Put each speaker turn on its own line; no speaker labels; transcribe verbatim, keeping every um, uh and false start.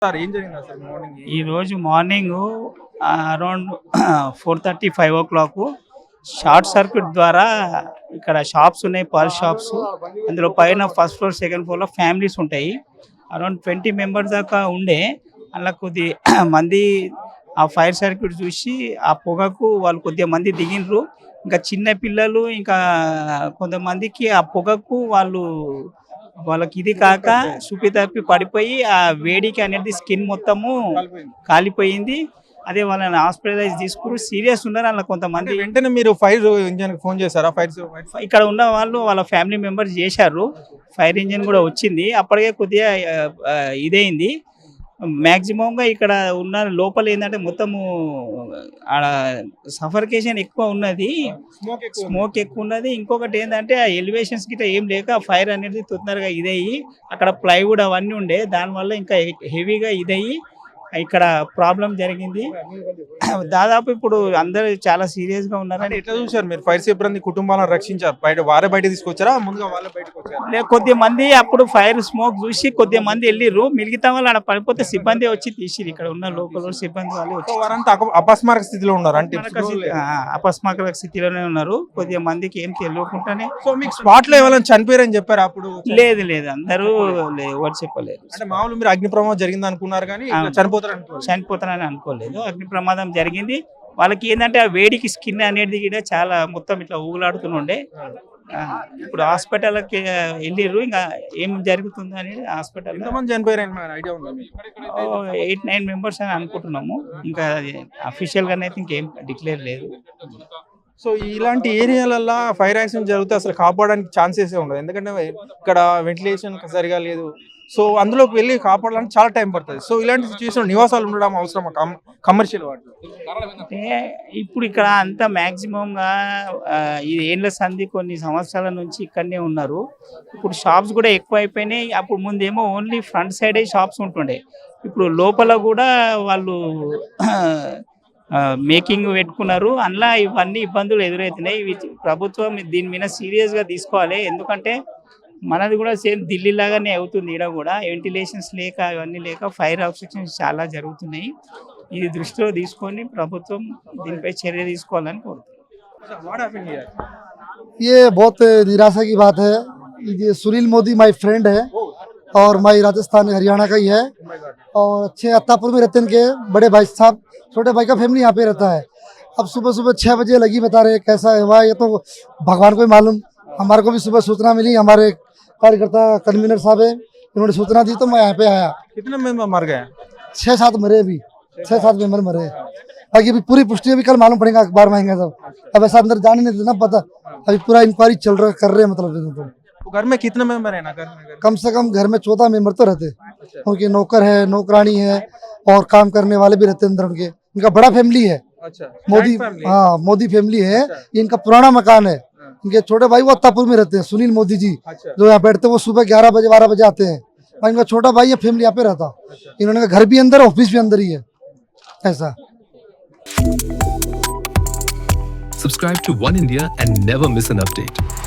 Sir ఏం జరిగింది అసలు మార్నింగ్?
ఈ రోజు morning around four thirty five o'clock short circuit ద్వారా ఇక్కడ షాప్స్ ఉన్నాయి, పాల్ షాప్స్. అందులో పైన ఫస్ట్ ఫ్లోర్ సెకండ్ ఫ్లోర్లో ఫ్యామిలీస్ ఉంటాయి. అరౌండ్ ట్వంటీ మెంబర్స్ దాకా ఉండే. అలా కొద్ది మంది ఆ ఫైర్ సర్క్యూట్ చూసి ఆ పొగకు వాళ్ళు కొద్దిగా మంది దిగినరు. ఇంకా చిన్న పిల్లలు ఇంకా కొంతమందికి ఆ పొగకు వాళ్ళు వాళ్ళకి ఇది కాక సుపి తప్పి పడిపోయి ఆ వేడికి అనేది స్కిన్ మొత్తము కాలిపోయింది. అదే వాళ్ళని హాస్పిటలైజ్ తీసుకుని సీరియస్ ఉన్నారు. అలా కొంతమంది
వెంటనే మీరు ఫైర్ ఇంజన్ ఫోన్ చేశారా? ఫైర్
ఇక్కడ ఉన్న వాళ్ళు వాళ్ళ ఫ్యామిలీ మెంబర్స్ చేశారు. ఫైర్ ఇంజిన్ కూడా వచ్చింది. అప్పటికే కొద్దిగా ఇదైంది. మ్యాక్సిమంగా ఇక్కడ ఉన్న లోపల ఏంటంటే మొత్తము ఆడ సఫర్కేషన్ ఎక్కువ ఉన్నది, స్మోక్ ఎక్కువ ఉన్నది. ఇంకొకటి ఏంటంటే ఆ ఎలివేషన్స్ గిట్ట ఏం లేక ఫైర్ అనేది తొందరగా ఇదయ్యి అక్కడ ప్లైవుడ్ అవన్నీ ఉండే, దానివల్ల ఇంకా హెవీగా ఇదయ్యి ఇక్కడ ప్రాబ్లం జరిగింది. దాదాపు ఇప్పుడు అందరూ చాలా సీరియస్ గా ఉన్నారు.
ఎట్లా చూసారు మీరు? ఫైర్ సిబ్బంది కుటుంబాలను రక్షించారు, బయట వారే బయట తీసుకొచ్చారా ముందుగా వాళ్ళే బయటకు వచ్చారు?
కొద్ది మంది అప్పుడు ఫైర్ స్మోక్ చూసి కొద్ది మంది వెళ్ళిర్రు, మిగతా వాళ్ళు అక్కడ పడిపోతే సిబ్బంది వచ్చి తీసిరు. ఇక్కడ ఉన్న లోకల్ సిబ్బంది వాళ్ళు వచ్చి
వారంతా అపస్మారక స్థితిలో ఉన్నారు. అంటే
అపస్మారక స్థితిలోనే ఉన్నారు. కొద్దిగా మందికి ఏం తెలియకుండానే.
సో మీకు స్పాట్ లో ఎవరైనా చనిపోయారని చెప్పారు అప్పుడు?
లేదు లేదు, అందరూ ఎవరు చెప్పలేదు.
అంటే మామూలు మీరు అగ్ని ప్రమాదం జరిగింది అనుకున్నారు కానీ చనిపోతారు
చనిపోతారని అనుకోలేదు. అగ్ని ప్రమాదం జరిగింది. వాళ్ళకి ఏంటంటే ఆ వేడికి స్కిన్ అనేది కూడా చాలా మొత్తం ఇట్లా ఊగులాడుతుండే. ఇప్పుడు హాస్పిటల్కి వెళ్ళిర్రు. ఇంకా ఏం జరుగుతుంది అనేది హాస్పిటల్ ఎయిట్ నైన్ మెంబర్స్ అని అనుకుంటున్నాము. ఇంకా అఫీషియల్ గా అయితే ఇంకేం డిక్లేర్ లేదు.
సో ఇలాంటి ఏరియాలల్లో ఫైర్ యాక్సిడెంట్ జరిగితే అసలు కాపాడడానికి ఛాన్సెస్ ఉండదు, ఎందుకంటే ఇక్కడ వెంటిలేషన్ సరిగా లేదు. సో అందులోకి వెళ్ళి కాపాడాలని చాలా టైం పడుతుంది. సో ఇలాంటి సిచ్యువేషన్ నివాసాలు ఉండడం అవసరం కమర్షియల్ వాటిలో.
అంటే ఇప్పుడు ఇక్కడ అంతా మ్యాక్సిమంగా ఈ ఏళ్ళ సంధి కొన్ని సంవత్సరాల నుంచి ఇక్కడనే ఉన్నారు. ఇప్పుడు షాప్స్ కూడా ఎక్కువ అయిపోయినాయి. అప్పుడు ముందేమో ఓన్లీ ఫ్రంట్ సైడే షాప్స్ ఉంటుండే, ఇప్పుడు లోపల కూడా వాళ్ళు మేకింగ్ పెట్టుకున్నారు. అందులో ఇవన్నీ ఇబ్బందులు ఎదురవుతున్నాయి. ఇవి ప్రభుత్వం దీని మీద సీరియస్గా తీసుకోవాలి. ఎందుకంటే మనది కూడా సేమ్ ఢిల్లీ లాగానే అవుతుంది. ఇక్కడ కూడా వెంటిలేషన్స్ లేక ఇవన్నీ లేక ఫైర్ ఆబ్స్ట్రక్షన్స్ చాలా జరుగుతున్నాయి. ఇది దృష్టిలో తీసుకొని ప్రభుత్వం దీనిపై చర్య తీసుకోవాలని కోరుతున్నాం.
ये बहुत निराशा की बात है. ये सुनील मोदी माय फ्रेंड है और माय राजस्थान हरियाणा का ही है और अच्छे अत्तापुर में रहते हैं इनके बड़े भाई साहब. छोटे भाई का फैमिली यहाँ पे रहता है. अब सुबह सुबह छः बजे लगी, बता रहे कैसा हुआ ये तो भगवान को ही मालूम. हमारे को भी सुबह सूचना मिली, हमारे कार्यकर्ता कन्वीनर साहब है, इन्होंने सूचना दी तो मैं यहाँ पे आया.
कितने मेंबर मर गए?
छः सात मरे, अभी छः सात मेंबर मरे. बाकी अभी पूरी पुष्टि अभी कल मालूम पड़ेगा, अखबार में आएंगे सब. अब ऐसा अंदर जाने नहीं देना पता. अभी पूरा इंक्वायरी चल रहा कर रहे हैं. मतलब
तो घर में कितने मेंबर है ना? घर में
कम से कम घर में चौदह मेंबर तो रहते, उनके नौकर है, नौकरानी है और काम करने वाले भी रहते अंदर. उनके इनका बड़ा फैमिली है.
अच्छा,
मोदी, हाँ मोदी फैमिली है. ये इनका पुराना मकान है. इनके छोटे भाई वो अत्तापुर में रहते हैं, सुनील मोदी जी. अच्छा. जो यहाँ बैठते हैं वो सुबह ग्यारह बजे बारह बजे आते हैं. और इनका छोटा भाई है, फैमिली यहाँ पे रहता. अच्छा. इन्होंने घर भी अंदर, ऑफिस भी अंदर ही है. ऐसा.
Subscribe to One India and never miss an update.